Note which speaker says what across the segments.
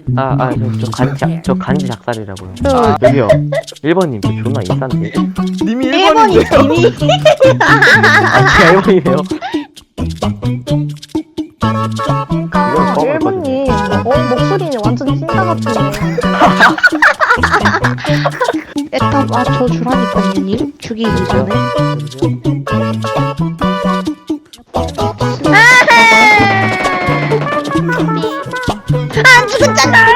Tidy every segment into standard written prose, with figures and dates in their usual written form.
Speaker 1: 저 간지 작살이라고요.
Speaker 2: 저
Speaker 1: 여기요. 1번님, 저 존나 인싼데.
Speaker 3: 님이
Speaker 2: 1번이
Speaker 3: 1번인데요?
Speaker 2: 이미
Speaker 1: 제가 1번이네요.
Speaker 2: 아, 1번님 목소리는 완전 찐따 같은데.
Speaker 4: 에따 맞춰 주라니까요 님 죽이기 전에.
Speaker 2: 안 죽었잖아.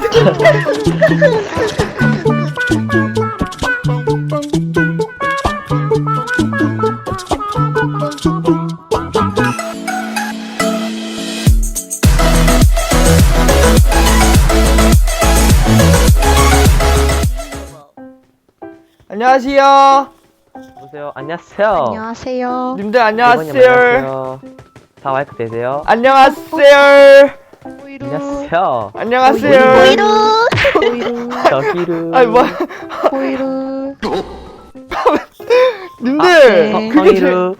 Speaker 3: 안녕하세요.
Speaker 1: 보세요. 안녕하세요.
Speaker 4: 안녕하세요.
Speaker 3: 님들
Speaker 1: 1번님
Speaker 3: 안녕하세요.
Speaker 1: 안녕하세요. 다 마이크 되세요?
Speaker 3: 안녕하세요.
Speaker 4: 보이루.
Speaker 1: 안녕하세요.
Speaker 3: 안녕하세요.
Speaker 2: 보이루.
Speaker 4: 보이루.
Speaker 1: 저기루.
Speaker 3: 아니 뭐
Speaker 4: 보이루.
Speaker 3: 님들
Speaker 4: 네.
Speaker 3: 그게
Speaker 1: 성이루.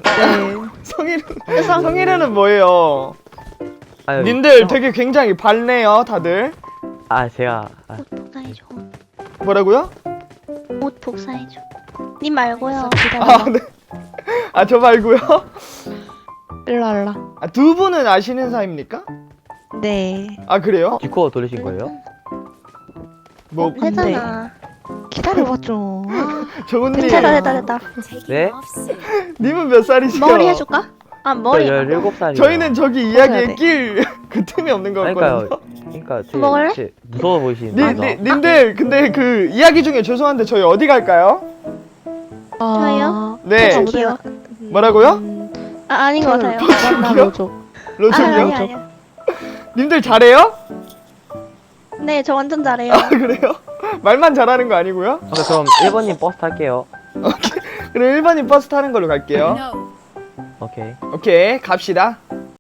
Speaker 3: 성희르는 뭐예요?
Speaker 1: 아유,
Speaker 3: 님들 되게 굉장히 밝네요 다들.
Speaker 1: 제가
Speaker 2: 복사해줘.
Speaker 3: 뭐라고요?
Speaker 2: 옷 복사해줘. 님 말고요.
Speaker 3: 아 네. 아 저 말고요.
Speaker 4: 일랄라.
Speaker 3: 아, 두 분은 아시는 사이입니까?
Speaker 4: 네.
Speaker 3: 아 그래요?
Speaker 1: 디코어 돌리신 거예요?
Speaker 3: 뭐
Speaker 2: 해잖아.
Speaker 4: 기다려봐 좀.
Speaker 3: 정은님
Speaker 2: 됐다.
Speaker 1: 네?
Speaker 3: 님은 몇 살이시죠?
Speaker 2: 머리 해줄까? 아 머리.
Speaker 1: 저 17살이요.
Speaker 3: 저희는 저기
Speaker 4: 해야
Speaker 3: 이야기에
Speaker 4: 돼.
Speaker 3: 낄 그 틈이 없는
Speaker 1: 그러니까요.
Speaker 3: 거거든요.
Speaker 1: 그러니까
Speaker 2: 먹을래?
Speaker 1: 되게 무서워 보이시는데.
Speaker 3: 님들 근데 그 이야기 중에 죄송한데 저희 어디 갈까요?
Speaker 2: 저요?
Speaker 3: 네.
Speaker 2: 저기요.
Speaker 3: 뭐라고요?
Speaker 2: 아 아닌 것 같아요.
Speaker 4: 만나보죠.
Speaker 3: 로션이요?
Speaker 2: 아니야.
Speaker 3: 님들 잘해요?
Speaker 2: 네, 저 완전 잘해요.
Speaker 3: 아 그래요? 말만 잘하는 거 아니고요?
Speaker 1: 그럼 1번님 버스 탈게요.
Speaker 3: 그럼 1번님 버스 타는 걸로 갈게요.
Speaker 1: 오케이.
Speaker 3: 오케이 갑시다.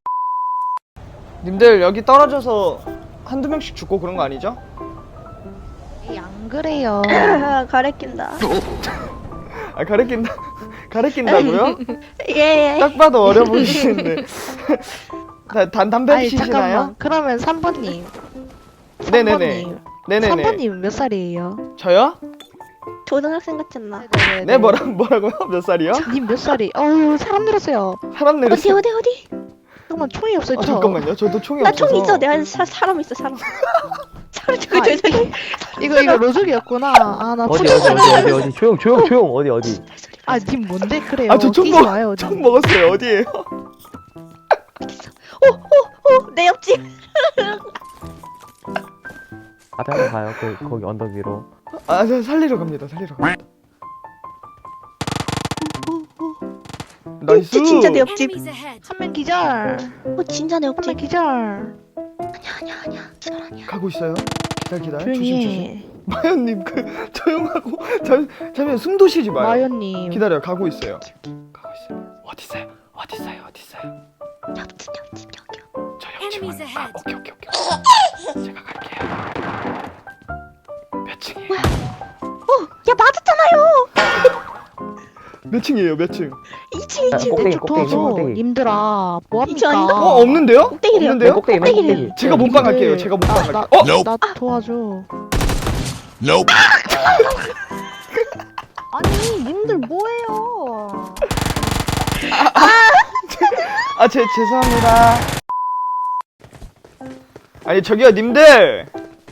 Speaker 3: 님들 여기 떨어져서 한두 명씩 죽고 그런 거 아니죠?
Speaker 4: 에이, 안 그래요.
Speaker 2: 가래낀다.
Speaker 3: 아 가르친다고요?
Speaker 2: 예.
Speaker 3: 딱 봐도 어려 보이시는데. 담배
Speaker 4: 아니
Speaker 3: 피시나요?
Speaker 4: 잠깐만. 그러면 3번님.
Speaker 3: 네네네. 네네네.
Speaker 4: 3번님 몇 살이에요?
Speaker 3: 저요?
Speaker 2: 초등학생 같지 않나?
Speaker 3: 네 뭐라고요? 몇 살이요?
Speaker 4: 님 몇 살이? 어우 사람 늘었어요.
Speaker 3: 사람 내렸어요.
Speaker 2: 어디?
Speaker 4: 잠깐만 총이 없어요.
Speaker 3: 아,
Speaker 4: 저.
Speaker 3: 잠깐만요. 저도 총이
Speaker 2: 나
Speaker 3: 없어서.
Speaker 2: 총 있어. 내가 사람 있어. 사람. 사람
Speaker 4: 아, 이거 로족이었구나. 아나
Speaker 1: 어디 조용 어디.
Speaker 4: 아님 뭔데 그래요?
Speaker 3: 아, 저 총
Speaker 4: 끼지 마요.
Speaker 3: 총 먹었어요. 어디에요?
Speaker 2: 내 옆집.
Speaker 1: 앞에 한번 가요. 거기 언덕 위로.
Speaker 3: 아, 저 살리러 갑니다. 나이스.
Speaker 2: 진짜 내 옆집.
Speaker 4: 한 명 기절.
Speaker 2: 진짜 내
Speaker 4: 한 명
Speaker 2: 옆집.
Speaker 4: 기절.
Speaker 2: 아니야. 기절 아니야.
Speaker 3: 가고 있어요. 기다려.
Speaker 4: 조용히
Speaker 3: 조심.
Speaker 4: 해.
Speaker 3: 마연님 조용하고 잠시만 숨도 쉬지 마요.
Speaker 4: 마연님.
Speaker 3: 기다려. 가고 있어요. 어디 있어요?
Speaker 2: 옆집 여기요.
Speaker 3: 저 옆집은. 아, 오케이. 제가 갈게요. 몇 층이에요?
Speaker 2: 야 맞았잖아요.
Speaker 3: 몇 층이에요? 몇 층?
Speaker 2: 2층.
Speaker 1: 꼭대기
Speaker 4: 좀 도와줘.
Speaker 1: 꼭대기.
Speaker 4: 님들아
Speaker 2: 이층 아닌가?
Speaker 4: 뭐합니까?
Speaker 3: 없는데요?
Speaker 2: 꼭대기래요.
Speaker 3: 없는데요?
Speaker 1: 꼭대기.
Speaker 3: 제가 몸빵 갈게요. 제가 몸빵 갈게요.
Speaker 4: 나 도와줘. 아니 님들 뭐해요?
Speaker 3: 죄송합니다. 아니 저기요 님들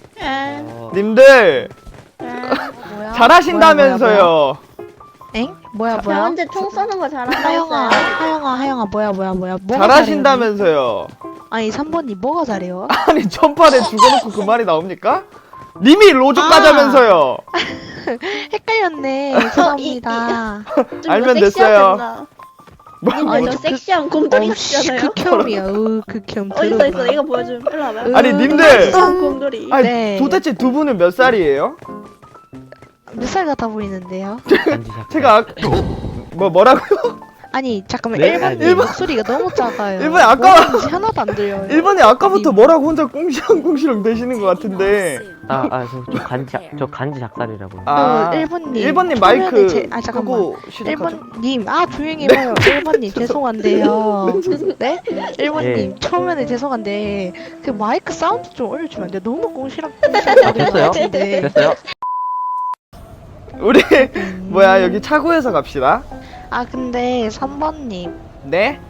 Speaker 4: 뭐야?
Speaker 3: 잘하신다면서요.
Speaker 4: 엥? 뭐야?
Speaker 2: 저 혼자 총 쏘는 거 잘한다고
Speaker 4: 하영아
Speaker 2: 했어요.
Speaker 4: 하영아 뭐야? 뭐가
Speaker 3: 잘하신다면서요.
Speaker 4: 잘해요? 아니 3번님 뭐가 잘해요?
Speaker 3: 아니 전판에 죽어놓고 그 말이 나옵니까? 님이 로족
Speaker 4: 아.
Speaker 3: 가자면서요.
Speaker 4: 헷갈렸네. 죄송합니다.
Speaker 2: 좀
Speaker 3: 알면
Speaker 2: 더
Speaker 3: 됐어요.
Speaker 2: 섹시하겠다.
Speaker 3: 뭐,
Speaker 2: 님 저 섹시한 곰돌이 같잖아요.
Speaker 4: 극혐이야. 극혐.
Speaker 2: 어디 있어? 이거 보여줘. 일로 와봐요.
Speaker 3: 아니 님들
Speaker 2: 섹시한 곰돌이.
Speaker 3: 아니
Speaker 4: 네.
Speaker 3: 도대체 두 분은 몇 살이에요?
Speaker 4: 몇 살 같아 보이는데요?
Speaker 1: 간지 작살.
Speaker 3: 제가 뭐라고요?
Speaker 4: 아니 잠깐만
Speaker 1: 네?
Speaker 4: 1번님
Speaker 1: 아니.
Speaker 4: 목소리가 너무 작아요.
Speaker 3: 일본이 아까-
Speaker 4: 뭐라는지 하나도 안 들려요.
Speaker 3: 1번이 아까부터 뭐라고 혼자 꽁시렁꽁시렁 대시는 것 같은데
Speaker 1: 저 간지 작살이라고요.
Speaker 3: 아,
Speaker 4: 1번님
Speaker 3: 1번님 마이크
Speaker 4: 잠깐만
Speaker 3: 끄고 시작하죠.
Speaker 4: 1번님 조용히 해봐요. 1번님 죄송한데요. 네? 1번님
Speaker 1: 예.
Speaker 4: 처음에는 죄송한데 그 마이크 사운드 좀 올려주면 안 돼요? 너무 꽁시락
Speaker 1: 됐어요?
Speaker 4: 같은데.
Speaker 1: 됐어요?
Speaker 3: 우리 뭐야 여기 차고에서 갑시다.
Speaker 4: 아 근데 3번님
Speaker 3: 네?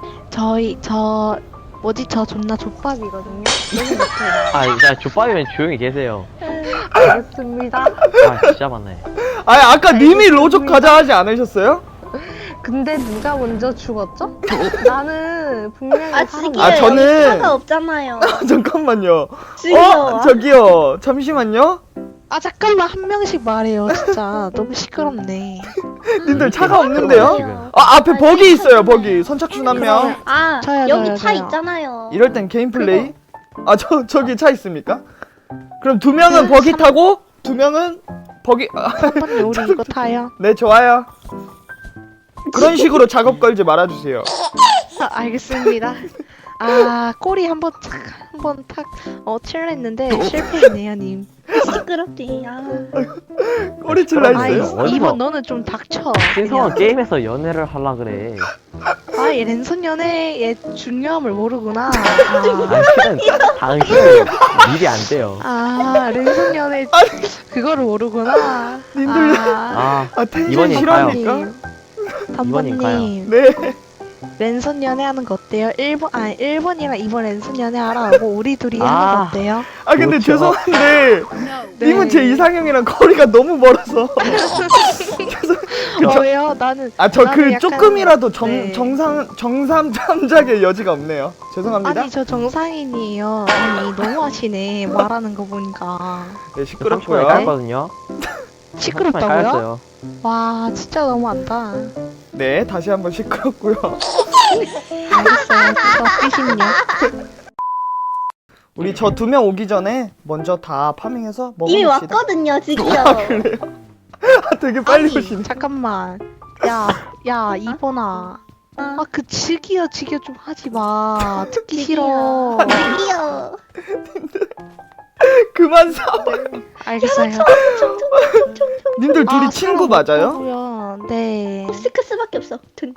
Speaker 4: 저 존나 족밥이거든요. 너무 못해요.
Speaker 1: 자 족밥이면 조용히 계세요.
Speaker 5: 알겠습니다.
Speaker 1: 아 진짜 많네.
Speaker 3: 아니 아까 님이 로족 가자 하지 않으셨어요?
Speaker 5: 근데 누가 먼저 죽었죠? 나는 분명히
Speaker 2: 아
Speaker 5: 사람-
Speaker 2: 지기요.
Speaker 3: 아, 저는-
Speaker 2: 여기 차가 없잖아요.
Speaker 3: 잠깐만요.
Speaker 2: 지기요.
Speaker 3: 저기요. 잠시만요.
Speaker 4: 아 잠깐만 한 명씩 말해요. 진짜 너무 시끄럽네.
Speaker 3: 님들 차가
Speaker 1: 지금.
Speaker 3: 없는데요? 앞에 버기 있어요. 버기. 선착순 한 명.
Speaker 2: 아
Speaker 4: 저요,
Speaker 2: 여기
Speaker 4: 저요,
Speaker 2: 차
Speaker 4: 저요.
Speaker 2: 있잖아요.
Speaker 3: 이럴 땐 개인 플레이? 저기 차 있습니까? 그럼 2명은 버기 타고 2명은 버기
Speaker 4: 3번님 우리 이거 타요.
Speaker 3: 네, 좋아요. 그런 식으로 작업 걸지 말아 주세요.
Speaker 4: 아, 알겠습니다. 아 꼬리 한번 탁 칠했는데 실패했네요 님.
Speaker 2: 시끄럽지. 아.
Speaker 3: 꼬리칠 나
Speaker 4: 아이
Speaker 3: 있어요.
Speaker 1: 어디서-
Speaker 4: 이번 너는 좀 닥쳐.
Speaker 1: 신성한 게임에서 연애를 하려 그래.
Speaker 4: 아얘 랜선 연애의 중요함을 모르구나.
Speaker 1: 당신은 일이 안 돼요.
Speaker 4: 아 랜선 연애 그거를 모르구나.
Speaker 3: 님들-
Speaker 1: 아
Speaker 3: 텐션
Speaker 1: 이번님
Speaker 3: 실합니까?
Speaker 1: 이번님
Speaker 4: 단번님
Speaker 3: 네.
Speaker 4: 랜선 연애하는 거 어때요? 1번이랑 2번 랜선 연애하라고 우리 둘이 하는
Speaker 1: 아.
Speaker 4: 거 어때요?
Speaker 3: 근데
Speaker 1: 그렇죠.
Speaker 3: 죄송한데
Speaker 4: 네.
Speaker 3: 님은 제 이상형이랑 거리가 너무 멀어서
Speaker 4: 왜요? 나는
Speaker 3: 저
Speaker 4: 나는
Speaker 3: 그
Speaker 4: 약간-
Speaker 3: 조금이라도
Speaker 4: 네.
Speaker 3: 정상 참작의 여지가 없네요. 죄송합니다.
Speaker 4: 아니 저 정상인이에요. 아니 너무 하시네 말하는 거 보니까
Speaker 3: 네,
Speaker 1: 저 30분에
Speaker 3: 시끄럽고요.
Speaker 1: 깔거든요.
Speaker 4: 시끄럽다고요?
Speaker 1: 깔았어요.
Speaker 4: 와 진짜 너무한다.
Speaker 3: 네, 다시 한번 시끄럽고요.
Speaker 4: 알겠어요. 저 삐심요.
Speaker 3: 우리 저 2명 오기 전에 먼저 다 파밍해서
Speaker 2: 이미
Speaker 3: 먹어봅시다.
Speaker 2: 왔거든요, 지기요.
Speaker 3: 되게 빨리
Speaker 4: 아니
Speaker 3: 오시네.
Speaker 4: 잠깐만. 야 이번아. 아 그 지기야 좀 하지 마. 듣기 싫어.
Speaker 2: 지기요.
Speaker 3: 그만 싸워요.
Speaker 4: 알겠어요.
Speaker 3: 님들 둘이
Speaker 4: 아,
Speaker 3: 친구
Speaker 4: 사람
Speaker 3: 맞아요?
Speaker 4: 없다고요. 네.
Speaker 2: 스크스밖에 없어. 든.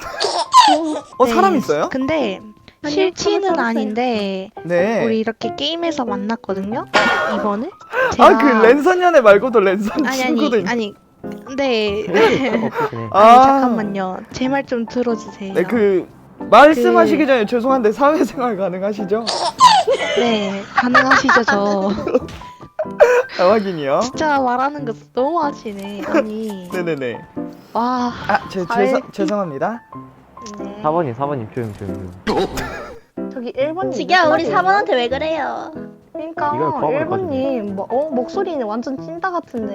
Speaker 3: 사람
Speaker 4: 네.
Speaker 3: 있어요?
Speaker 4: 근데
Speaker 2: 아니요,
Speaker 4: 실치는
Speaker 2: 서로
Speaker 4: 아닌데
Speaker 3: 네.
Speaker 4: 우리 이렇게 게임에서 만났거든요. 이번을.
Speaker 3: 그 랜선 연애 말고도 랜선 친구도 있네.
Speaker 4: 아니 근데
Speaker 1: 없으시네.
Speaker 4: 아니 잠깐만요. 제 말 좀 들어주세요.
Speaker 3: 네, 말씀하시기 전에 죄송한데 사회생활 가능하시죠?
Speaker 4: 네, 가능하시죠 저.
Speaker 3: 확인이요.
Speaker 4: 진짜 말하는 거 너무 하시네. 아니
Speaker 3: 네네네.
Speaker 4: 와.
Speaker 3: 죄송합니다.
Speaker 4: 네.
Speaker 1: 4번님 조용.
Speaker 5: 저기 1번님.
Speaker 2: 지기야, 우리 4번한테 왜 그래요?
Speaker 5: 그러니까
Speaker 1: 이걸 포함할
Speaker 5: 1번님 목소리는 완전 찐따 같은데.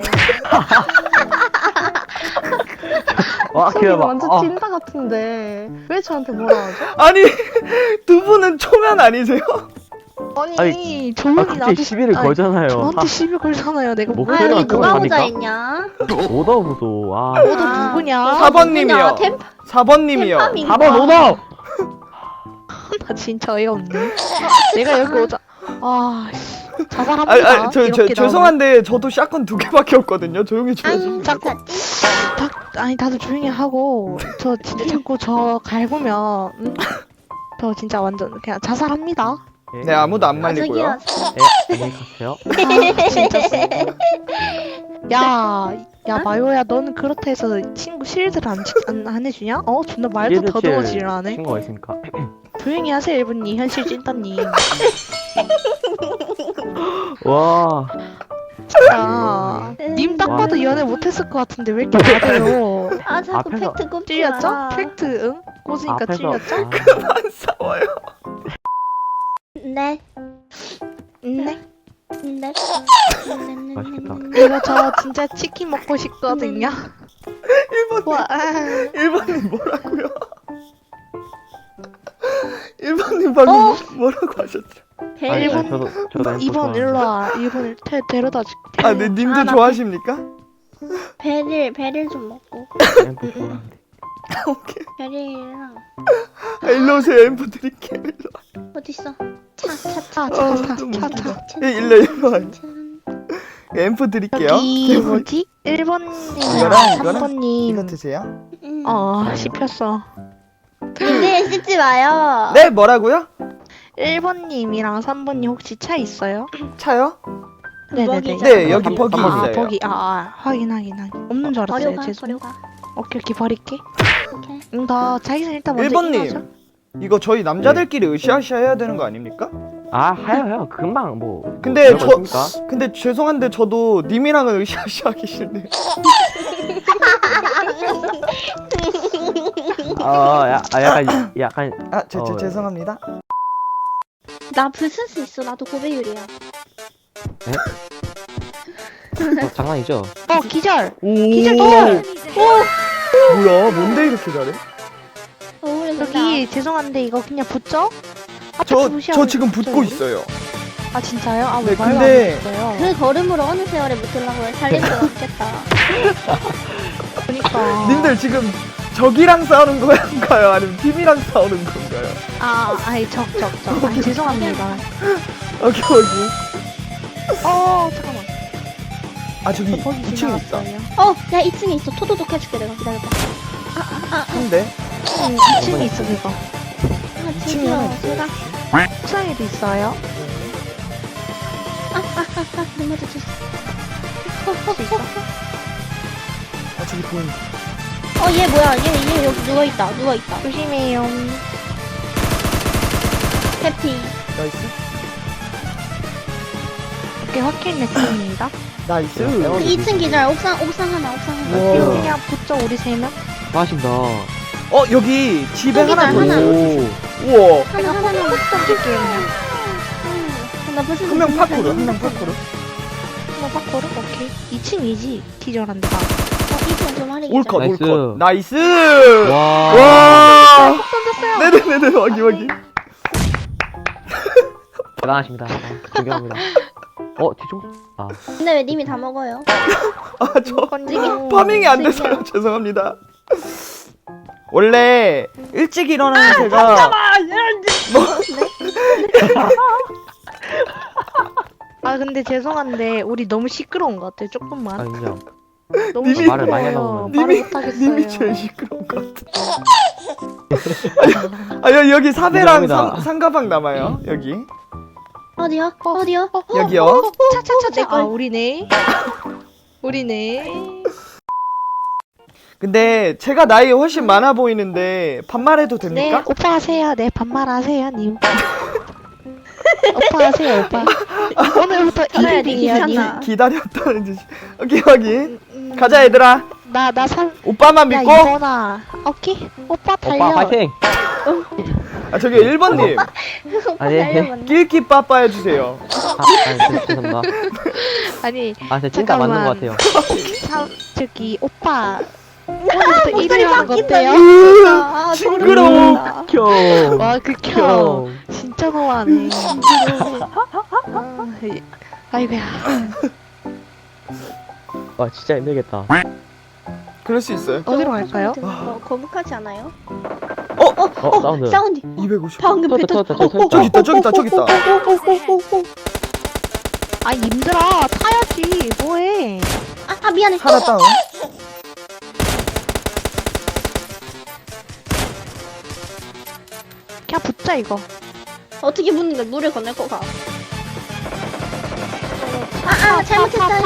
Speaker 5: 목소리는
Speaker 1: 기다려봐.
Speaker 5: 완전 찐따 같은데 왜 저한테 뭐라 하죠?
Speaker 3: 아니, 두 분은 초면 아니세요?
Speaker 4: 아니 조용히
Speaker 1: 갑자기
Speaker 4: 나도
Speaker 1: 시비를
Speaker 4: 아니,
Speaker 1: 걸잖아요.
Speaker 4: 저한테 시비 걸잖아요. 내가 뭐
Speaker 1: 목소리가
Speaker 2: 우리 누가
Speaker 1: 그거
Speaker 2: 보자
Speaker 1: 하니까?
Speaker 2: 했냐?
Speaker 1: 오더 무소.
Speaker 4: 너도 누구냐?
Speaker 3: 4번님이요.
Speaker 2: 템
Speaker 3: 4번님이요.
Speaker 2: 템팜인가?
Speaker 1: 4번 오더.
Speaker 4: 나 진짜 어이없네. 내가 여기 오자. 자살합니다. 이렇게
Speaker 3: 죄송한데 저도 샷건 2개밖에 없거든요. 조용히 좀 해주세요.
Speaker 2: 앙,
Speaker 4: 자꾸-
Speaker 2: 자꾸.
Speaker 4: 아니 다들 조용히 하고 저 진짜 자꾸 저 갈구면 저 진짜 완전 그냥 자살합니다.
Speaker 3: 네, 아무도 안 말리고요.
Speaker 2: 저기요.
Speaker 1: 안녕히 가세요.
Speaker 4: 진짜 야 마요야 너는 그렇다 해서 친구 실드를 안 해주냐? 존나 말도 더더워지를 하네.
Speaker 1: 친구가 있으니까.
Speaker 4: 조용히 하세요 1분님 현실 찐따님.
Speaker 1: 와.
Speaker 4: 진짜 님 딱 봐도 연애 못했을 것 같은데 왜 이렇게 맞아요?
Speaker 2: 아, 자꾸
Speaker 1: 앞에서-
Speaker 2: 팩트 꼽지
Speaker 4: 찔렸죠?
Speaker 2: 마.
Speaker 4: 팩트 응? 꽂으니까 찔렸죠?
Speaker 3: 안 싸워요.
Speaker 2: 네.
Speaker 4: 네.
Speaker 2: 네.
Speaker 1: 맛있겠다.
Speaker 4: 이거 저 진짜 치킨 먹고 싶거든요.
Speaker 3: 1번,
Speaker 4: 와,
Speaker 3: 1번님 뭐라고요? 1번님 방금 뭐라고 하셨죠?
Speaker 1: 아니,
Speaker 2: 벨.
Speaker 1: 저도
Speaker 4: 2번 일로 와. 2번 데려다 줄게.
Speaker 3: 네, 님도
Speaker 2: 아, 나
Speaker 3: 좋아하십니까?
Speaker 2: 배를 좀 먹고.
Speaker 1: 앰프 좋아하는데.
Speaker 3: 오케이.
Speaker 2: 배를이랑
Speaker 3: 일로 오세요. 앰프 드릴게요. 일로 와.
Speaker 2: 어딨어?
Speaker 3: 너무
Speaker 4: 차.
Speaker 3: 일로 와요.
Speaker 2: 짠.
Speaker 3: 앰프 드릴게요.
Speaker 4: 여기 뭐지? 1번님이랑
Speaker 3: 이거랑 이거
Speaker 4: 3번님
Speaker 3: 드세요.
Speaker 4: 씹혔어.
Speaker 2: 근데 씻지 마요.
Speaker 3: 네, 뭐라고요?
Speaker 4: 1번님이랑 3번님 혹시 차 있어요?
Speaker 3: 차요?
Speaker 4: 네네네.
Speaker 2: 먹이자.
Speaker 3: 네, 여기 버기
Speaker 1: 한 번
Speaker 3: 있어요.
Speaker 4: 버기 확인 없는 줄 알았어요.
Speaker 2: 버려가
Speaker 4: 죄송.
Speaker 2: 버려가.
Speaker 4: 오케이 버릴게.
Speaker 2: 오케이.
Speaker 4: 나 자기선 일단 먼저
Speaker 3: 1번님.
Speaker 4: 인하죠.
Speaker 3: 이거 저희 남자들끼리 으쌰으쌰 해야 되는 거 아닙니까?
Speaker 1: 아, 하여. 금방 뭐.
Speaker 3: 근데
Speaker 1: 뭐 별거 있습니까?
Speaker 3: 근데 죄송한데 저도 님이랑은 으쌰으쌰 하기 싫네요.
Speaker 1: 약간.
Speaker 3: 아,
Speaker 1: 어,
Speaker 3: 죄송합니다.
Speaker 2: 나 부술 수 있어. 나도 고배율이야.
Speaker 1: 장난이죠?
Speaker 4: 기절.
Speaker 3: 오.
Speaker 4: 기절.
Speaker 3: 뭐야? 뭔데 이렇게 잘해?
Speaker 4: 여기 죄송한데 이거 그냥 붙죠?
Speaker 3: 저 지금 붙고 있어요.
Speaker 4: 아 진짜요? 아 왜
Speaker 3: 네,
Speaker 4: 말로
Speaker 3: 근데-
Speaker 4: 안 했어요?
Speaker 2: 그 걸음으로 어느 세월에 붙으려고 살릴 수 없겠다.
Speaker 4: 그러니까.
Speaker 3: 님들 지금 적이랑 싸우는 건가요? 아니면 팀이랑 싸우는 건가요?
Speaker 4: 아이 적. 아 죄송합니다.
Speaker 3: 오케이.
Speaker 4: 잠깐만.
Speaker 3: 아, 저기
Speaker 4: 거기
Speaker 3: 2층에 있다.
Speaker 4: 지나갔어요.
Speaker 2: 야 2층에 있어. 토도독 해줄게 내가 기다려봐.
Speaker 3: 근데
Speaker 4: 2층에 있어 그거.
Speaker 2: 아
Speaker 3: 2층에
Speaker 2: 진짜
Speaker 3: 하나 있어요.
Speaker 2: 제가
Speaker 4: 옥상에도 있어요.
Speaker 2: 눈 맞았어.
Speaker 4: 혹시 있어?
Speaker 3: 아, 저기 보인다.
Speaker 2: 얘 뭐야? 얘 여기 누워 있다.
Speaker 4: 조심해요.
Speaker 2: 해피.
Speaker 3: 나이스.
Speaker 4: 오케이 확인했습니다.
Speaker 3: 나이스.
Speaker 2: 그 2층 기절. 옥상 하나.
Speaker 3: 우와.
Speaker 4: 그냥 붙죠 우리 3명.
Speaker 1: 하신다.
Speaker 3: 여기 집에
Speaker 2: 여기다,
Speaker 3: 하나 더
Speaker 2: 하나.
Speaker 3: 있어.
Speaker 1: 오.
Speaker 3: 우와.
Speaker 2: 하나.
Speaker 4: 던질게요 그냥.
Speaker 2: 나 무슨
Speaker 3: 한 명 파쿠르.
Speaker 4: 한번 바꿔라. 오케이. 2층이지. 기절한 데가.
Speaker 2: 2층 좀 하리.
Speaker 3: 올컷,
Speaker 1: 나이스.
Speaker 3: 올컷. 나이스.
Speaker 1: 와.
Speaker 3: 와.
Speaker 4: 던졌어요.
Speaker 3: 네네네네. 확인.
Speaker 1: 대단하십니다. 존경합니다. 뒤쪽? 아,
Speaker 2: 근데 왜 님이 다 먹어요?
Speaker 3: 아, 저
Speaker 4: 건지기.
Speaker 3: 파밍이 안 돼서요. 죄송합니다. 원래 일찍 일어나는 제가
Speaker 4: 근데 죄송한데 우리 너무 시끄러운 것 같아요. 조금만.
Speaker 1: 인정.
Speaker 4: 너무
Speaker 3: 님이-
Speaker 1: 말을 많이 하다
Speaker 4: 시끄러워요.
Speaker 1: 보면.
Speaker 4: 말을
Speaker 3: 님이
Speaker 4: 못하겠어요.
Speaker 3: 제일 시끄러운 것 같아. 여기 사배랑
Speaker 1: 인정합니다.
Speaker 3: 상가방 남아요. 여기.
Speaker 2: 어디요?
Speaker 3: 여기요.
Speaker 4: 차차차차. 우리네.
Speaker 3: 근데 제가 나이 훨씬 많아 보이는데 반말해도
Speaker 4: 네,
Speaker 3: 됩니까?
Speaker 4: 오빠 하세요. 네, 반말하세요, 님. 오빠 하세요, 오빠. 오늘부터
Speaker 2: 그래,
Speaker 4: 1일이에요, 님.
Speaker 2: 귀찮아.
Speaker 3: 기다렸다는 듯이. 오케이, 확인. 가자, 얘들아.
Speaker 4: 나
Speaker 3: 오빠만
Speaker 4: 야,
Speaker 3: 믿고.
Speaker 4: 이번아. 오케이? 오빠 달려.
Speaker 1: 오빠 파이팅!
Speaker 3: 아, 저기 1번님.
Speaker 1: 아니.
Speaker 3: 낄끼 빠빠 해주세요.
Speaker 1: 죄송합니다.
Speaker 4: 아니,
Speaker 1: 진짜 찐따 맞는 것 같아요.
Speaker 4: 저기, 오빠. 오늘부터 1일 하는 거 어때요?
Speaker 2: 아,
Speaker 3: 징그러워.
Speaker 1: 형.
Speaker 4: 와, 극혐. 진짜 너무하네. 아이고야.
Speaker 1: 와, 진짜 힘들겠다.
Speaker 3: 그럴 수 있어요.
Speaker 4: 어디로 갈까요?
Speaker 2: 거북하지 않아요?
Speaker 1: 사운드.
Speaker 2: 사운드.
Speaker 3: 250.
Speaker 2: 방금
Speaker 1: 터졌다.
Speaker 3: 저기 있다.
Speaker 4: 아, 님들아, 타야지. 뭐해.
Speaker 2: 미안해.
Speaker 3: 하나 다운.
Speaker 4: 그냥 붙자, 이거.
Speaker 2: 어떻게 붙는데 물을 건널 거가? 잘못했어요.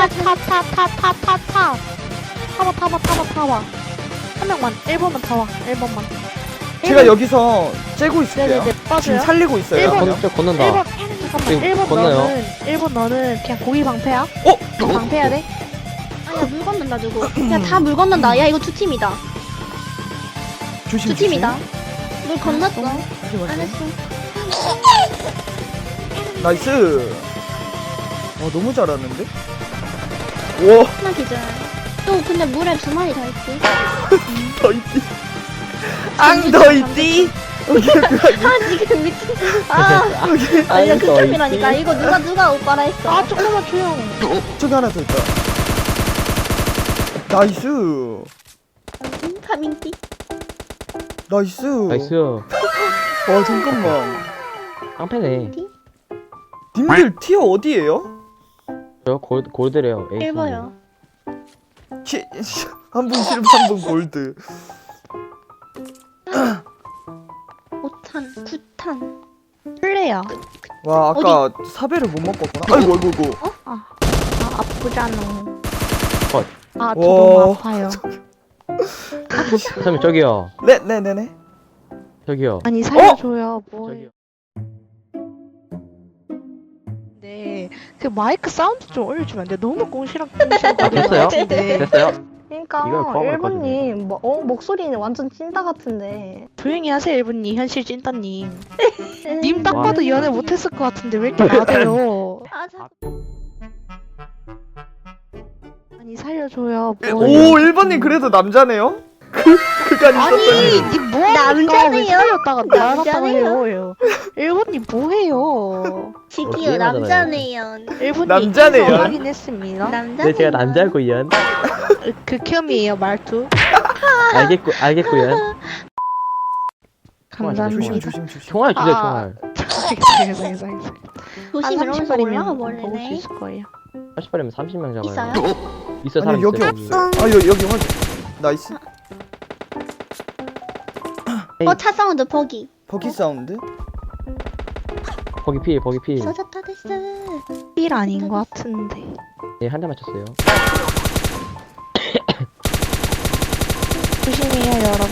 Speaker 4: 타봐. 한 명만, 1번만 타와, 1번만.
Speaker 3: 제가 여기서 째고 있을게요.
Speaker 4: 네네네,
Speaker 3: 지금
Speaker 4: 빠져요.
Speaker 3: 살리고 있어요.
Speaker 1: 건넌다.
Speaker 4: 1번, 잠깐만,
Speaker 1: 지금
Speaker 4: 1번
Speaker 1: 건너요.
Speaker 4: 1번 너는 그냥 고기 방패야? 방패야 돼?
Speaker 2: 아야 물 건넌다 누구? 야 다 물 건넌다. 야 이거 두 팀이다.
Speaker 3: 조심.
Speaker 2: 두 팀이다. 물 건넜어.
Speaker 3: 조심.
Speaker 2: 안 했어.
Speaker 3: 나이스. 너무 잘하는데? 와,
Speaker 2: 하나 기절. 또 근데 물에 두 마리 더 있지.
Speaker 3: 더 있디. 더 있디.
Speaker 2: 지금 미친. 이거 극혐이라니까. 이거 누가 오빠라 했어.
Speaker 4: 아, 조금만 조용.
Speaker 3: 저기 하나 더 있다. 나이스.
Speaker 2: 파밍띠.
Speaker 3: 나이스.
Speaker 1: 나이스.
Speaker 3: 잠깐만.
Speaker 1: 깡패네.
Speaker 3: 님들 티어 어디에요?
Speaker 1: 저 골드래요. 에이스.
Speaker 2: 1번요.
Speaker 3: 한분 실버 한분 골드.
Speaker 2: 5탄, 9탄.
Speaker 4: 플레이야.
Speaker 3: 와 아까 사배를 못 먹었구나. 아이고 아이고.
Speaker 4: 아 아프잖아.
Speaker 1: 컷.
Speaker 4: 아, 저
Speaker 3: 와.
Speaker 4: 너무 아파요.
Speaker 1: 선생님 저기요.
Speaker 3: 네네네네.
Speaker 1: 저기요.
Speaker 4: 아니 살려줘요. 뭐해?
Speaker 1: 저기요.
Speaker 4: 네, 그 마이크 사운드 좀 올려주면 안 돼? 너무 꽁시렁꽁시렁 거리는 것
Speaker 1: 됐어요?
Speaker 4: 같은데.
Speaker 1: 됐어요?
Speaker 5: 그러니까
Speaker 1: 이걸 과거를
Speaker 5: 1번님 목소리는 완전 찐따 같은데.
Speaker 4: 조용히 하세요, 일본님. 현실 찐따님. 님
Speaker 2: 음.
Speaker 4: 딱
Speaker 1: 와.
Speaker 4: 봐도 연애 못했을 것 같은데 왜 이렇게 나대요?
Speaker 2: 아, 자꾸.
Speaker 4: 아니 살려줘요.
Speaker 3: 오
Speaker 4: 뭐해?
Speaker 3: 1번님 그래도 남자네요? 그간
Speaker 4: 아니,
Speaker 3: 있었더니.
Speaker 4: 님 뭐하니까 왜
Speaker 2: 남자네요?
Speaker 4: 살렸다가 나갔다가
Speaker 2: 남자네요?
Speaker 4: 해요? 일본님 뭐해요?
Speaker 2: 지기요,
Speaker 1: 게임하잖아요.
Speaker 2: 남자네요.
Speaker 4: 일본님
Speaker 3: 남자네요.
Speaker 4: 인성 확인했습니다.
Speaker 2: 남자네요.
Speaker 1: 네, 제가 남자고요.
Speaker 4: 극혐이에요 말투.
Speaker 1: 알겠고요.
Speaker 4: 감사합니다.
Speaker 3: 조심 조심.
Speaker 1: 총알 주세요,
Speaker 4: 아.
Speaker 1: 총알.
Speaker 4: 알겠어.
Speaker 2: 조심 이러면서 올라가
Speaker 4: 먹을 수
Speaker 2: 버리네.
Speaker 4: 있을 거예요.
Speaker 1: 80발이면 30명 잡아요.
Speaker 2: 있어요?
Speaker 1: 있어요, 사람
Speaker 3: 아니 여기
Speaker 1: 있어요.
Speaker 3: 없어. 아 여기 확인. 나이스.
Speaker 2: 차 사운드 버기.
Speaker 3: 버기 사운드.
Speaker 1: 거기 필.
Speaker 2: 써졌다 됐어.
Speaker 4: 삘 아닌 것 같은데.
Speaker 1: 네, 한 대 맞췄어요.
Speaker 4: 조심해요 여러분.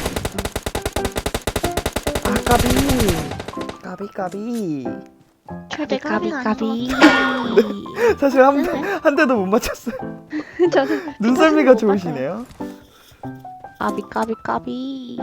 Speaker 3: 까비.
Speaker 2: 절대 까비가
Speaker 4: 까비.
Speaker 3: 사실 한 대도 못 맞췄어요.
Speaker 2: 저는
Speaker 3: 눈썰미가 좋으시네요.
Speaker 4: 까비.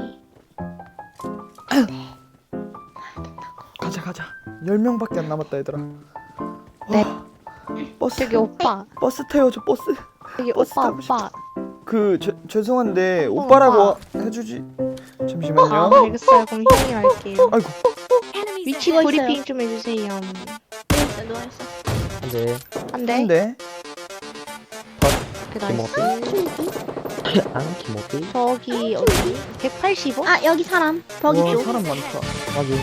Speaker 3: 가자. 10명밖에 안 남았다 얘들아.
Speaker 4: 네.
Speaker 3: 버스
Speaker 4: 저기 오빠.
Speaker 3: 버스 태워줘 버스.
Speaker 4: 저기
Speaker 3: 버스
Speaker 4: 오빠.
Speaker 3: 타고 싶다. 죄송한데 오빠라고 해주지. 잠시만요.
Speaker 4: 아, 알겠어요. 그럼 형이 할게요.
Speaker 3: 아이고.
Speaker 4: 위치
Speaker 2: 누워
Speaker 4: 브리핑
Speaker 2: 있어요.
Speaker 4: 좀 해주세요.
Speaker 2: 누워있어.
Speaker 1: 한 대.
Speaker 4: 안 돼?
Speaker 3: 근데
Speaker 4: 그 나이스.
Speaker 1: 김어피.
Speaker 4: 저기 어디? 185?
Speaker 2: 아, 여기 사람. 버기
Speaker 3: 와
Speaker 2: 쪽.
Speaker 3: 사람 많다.
Speaker 1: 확인.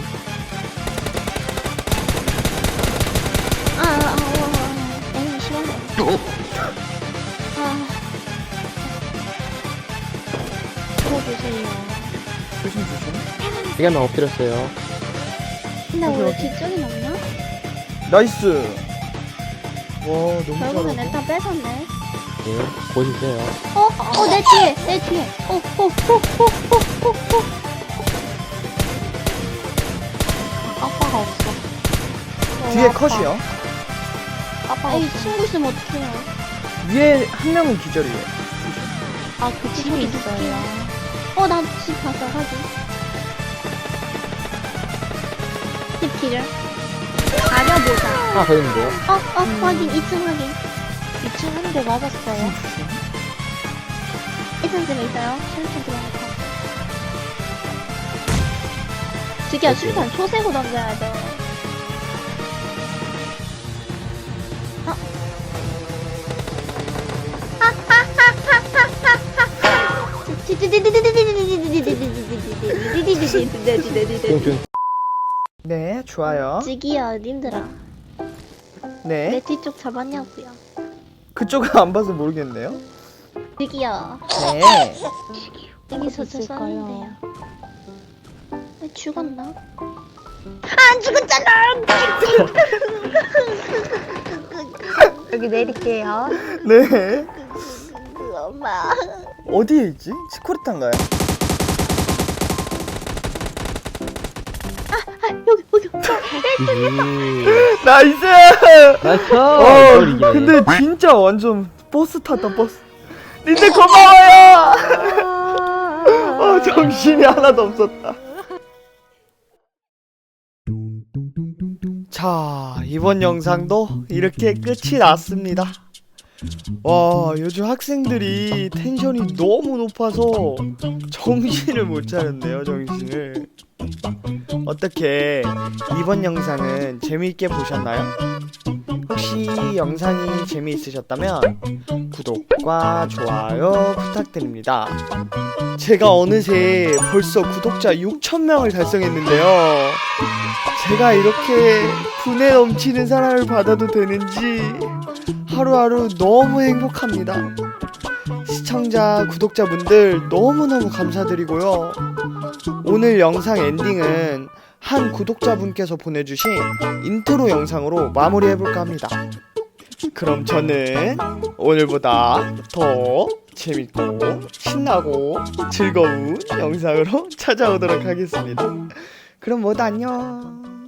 Speaker 2: 에이, 심하네. 아,
Speaker 4: 쳐주세요.
Speaker 3: 조심.
Speaker 1: 여기 한명 엎드렸어요.
Speaker 2: 근데 우리 뒤쪽이 없나?
Speaker 3: 나이스. 와 너무
Speaker 2: 결국엔
Speaker 3: 잘한다.
Speaker 2: 일단 뺏었네.
Speaker 1: 네, 곧 있어요.
Speaker 2: 내 뒤에.
Speaker 4: 아빠가 없어.
Speaker 3: 뒤에 컷이요.
Speaker 4: 아빠가
Speaker 2: 에이,
Speaker 4: 없어.
Speaker 2: 친구 있으면 어떡해요.
Speaker 3: 위에 한 명은 기절이에요.
Speaker 4: 아, 그 집에 있어요.
Speaker 2: 나 집 봤어, 하긴. 집 길을. 가려보자.
Speaker 1: 하나 더 있는데요.
Speaker 2: 확인, 2층 확인.
Speaker 4: 2층 한 대 맞았어요.
Speaker 2: 1층쯤에 있어요. 7층 들어가서. 지기야, 수류탄 초세고 던져야 돼.
Speaker 3: 네 좋아요.
Speaker 2: 지기야, 님들아.
Speaker 3: 네
Speaker 2: 내 뒤쪽 잡았냐고요.
Speaker 3: 그쪽은 안 봐서 모르겠네요.
Speaker 2: 지기야,
Speaker 3: 네.
Speaker 2: 여기서 저
Speaker 4: 있을까요?
Speaker 2: 쐈는데요. 죽었나? 안 죽었잖아!
Speaker 5: 여기 내릴게요.
Speaker 3: 네.
Speaker 2: 엄마.
Speaker 3: 어디에 있지? 치코르탄가요?
Speaker 2: 여기.
Speaker 3: 나이스!
Speaker 1: 나이스! 이걸 이기네.
Speaker 3: 근데 진짜 완전 버스 탔다 버스. 니들 고마워요! 정신이 하나도 없었다. 자, 이번 영상도 이렇게 끝이 났습니다. 와, 요즘 학생들이 텐션이 너무 높아서 정신을 못 차렸네요, 정신을. 어떻게 이번 영상은 재미있게 보셨나요? 혹시 영상이 재미있으셨다면 구독과 좋아요 부탁드립니다. 제가 어느새 벌써 구독자 6,000명을 달성했는데요. 제가 이렇게 분에 넘치는 사랑을 받아도 되는지 하루하루 너무 행복합니다. 시청자, 구독자분들 너무너무 감사드리고요. 오늘 영상 엔딩은 한 구독자분께서 보내주신 인트로 영상으로 마무리해볼까 합니다. 그럼 저는 오늘보다 더 재밌고 신나고 즐거운 영상으로 찾아오도록 하겠습니다. 그럼 모두 안녕.